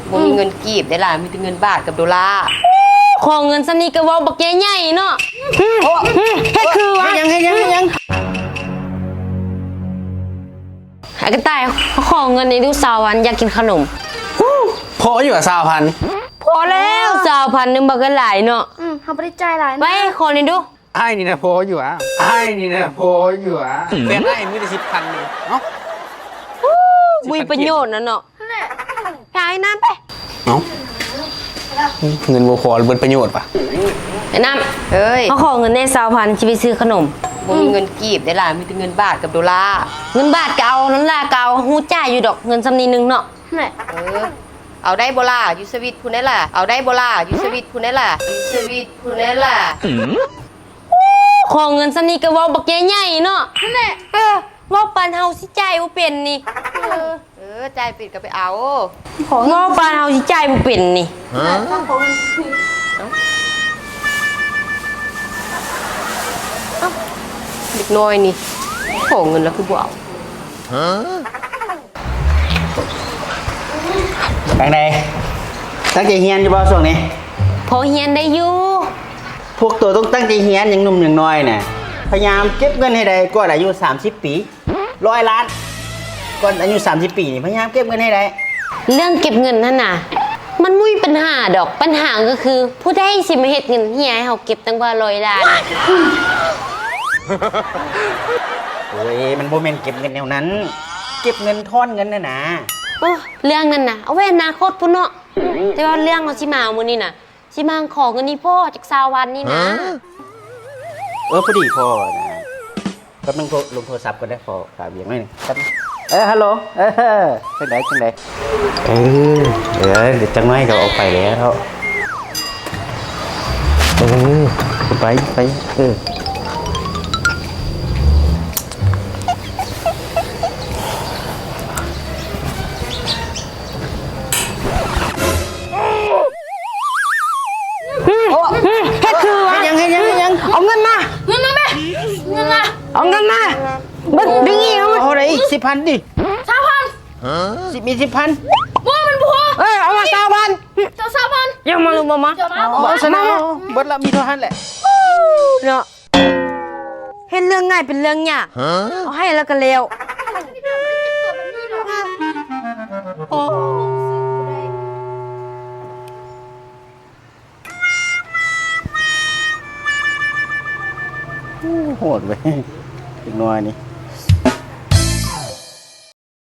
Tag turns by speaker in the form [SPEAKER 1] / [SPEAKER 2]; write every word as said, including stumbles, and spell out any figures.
[SPEAKER 1] บ่มีเงินกีบได้ล่ะมีแต่เงินบาทกับดอลลาร์
[SPEAKER 2] ขอเงินซะนี่ก็เว้าบักใหญ่ๆเนาะโอ้เฮ็ดคือว่า
[SPEAKER 3] ยังให้ยังให้ยัง
[SPEAKER 2] ไอ้กระต่ายขอเงินในดูสาววันอยากกินขนม
[SPEAKER 3] พออยู่กับสาวพัน
[SPEAKER 2] พอแล้วสาวพันนึงบักกันหลายเนาะ
[SPEAKER 4] อืมทำไปได้ใจหลาย
[SPEAKER 2] ไปขอนี่ดู
[SPEAKER 3] ไอ้นี่นะพออยู่อ่ะไอ้นี่นะพออยู่อ่ะแบงค์ไอ้มีแต่สิบพันนึงเนาะ
[SPEAKER 2] มีประโยชน์นะเนาะไปน้ำไป
[SPEAKER 3] เนาะเงินบัวพอเบิดประโยชน์ปะ
[SPEAKER 2] ไอ้น้ำเฮ้ยเขาขอเงินในสาวพันจะไปซื้อขนม
[SPEAKER 1] บ่มีเงินกีบได้ล่ะมีแต่เงินบาทกับดอลลาร์
[SPEAKER 2] เงินบาทเก่านั้นล่ะเก่าฮู้จ่ายอยู่ดอกเงินซำนี้นึงเนาะ
[SPEAKER 1] เออเอาได้บ่ล่ะอยู่สวิตพู้นได้ล่ะเอาได้บ่ล่ะอยู่สวิตพู้นได้ล่ะอยู่สวิตพู้นได้ล่ะ
[SPEAKER 2] ขอเงินซำนี้ก็เว้าบักใหญ่ๆเนาะนั่นแหละเออเว้าปานเฮาสิจ่ายบ่เป็นนี่
[SPEAKER 1] เออเออจ่ายปิดก็ไปเอา
[SPEAKER 2] เว้าปานเฮาสิจ่ายบ่เป็นนี่
[SPEAKER 1] เด็กน้อยนี่ขอเงินแล้วคือบ่เอา
[SPEAKER 3] แบงค์ใดตั้งใจเฮียนอยู่บ่ช่วงนี้
[SPEAKER 2] พอเฮียนได้อยู่
[SPEAKER 3] พวกตัวต้องตั้งใจเฮียนอย่างหนุ่มอย่างน้อยน่ะพยายามเก็บเงินให้ได้ก่อนอายุสามสิบปีร้อยล้านก่อนอายุสามสิบปีนี่พยายามเก็บเงินให้ได้
[SPEAKER 2] เรื่องเก็บเงินนั่นน่ะมันมุ้ยปัญหาดอกปัญหาก็คือผู้ใดสิมาเฮ็ดเงินเฮียให้เฮาเก็บตั้งว่าร้อยล้าน
[SPEAKER 3] โอ้ยมันโมเมนต์เก็บเงินแนวนั้นเก็บเงินทอนเงินน่ะนะ
[SPEAKER 2] โอ้เรื่องนั้นน่ะเอาไว้อนาคตพุ่นเนาะแต่ว่าเรื่องเอาสิมามื้อนี้น่ะสิมาขอเงินนี่พ่อจากสาววันนี่นะ
[SPEAKER 3] เออพอดีพ่อนะแป๊บนึงลงโทรศัพท์ก็ได้พอฝากเบียงหน่อยนึงแป๊บเออฮัลโหลเออจังไดจังไดเออเดี๋ยวเดี๋ยวจังน้อยก็ออกไปแล้วเออไปไปเออ
[SPEAKER 2] เฮ็ดคือว่า
[SPEAKER 3] ยังให้ยังให้ยัง
[SPEAKER 2] เอาเงินมา
[SPEAKER 4] เงินมาไหมเงินมา
[SPEAKER 2] เอาเงินมาบึ้งดึงอีกเอามา
[SPEAKER 3] เอาอะไรอีกสิบพันดิ
[SPEAKER 4] สามพัน
[SPEAKER 3] สิบมีสิบพัน
[SPEAKER 4] ว่ามันบัว
[SPEAKER 2] เอ้ยเอามาสามพัน
[SPEAKER 4] เจ้าสามพัน
[SPEAKER 2] ยังมาลุมามา
[SPEAKER 3] เอาชนะเบิดละมีเท่านั้นแหละ
[SPEAKER 2] เนาะเห็นเรื่องง่ายเป็นเรื่องยากเอาให้แล้วก็เร็วโอ้
[SPEAKER 3] โหดเว้ยอีกหน่อยนี่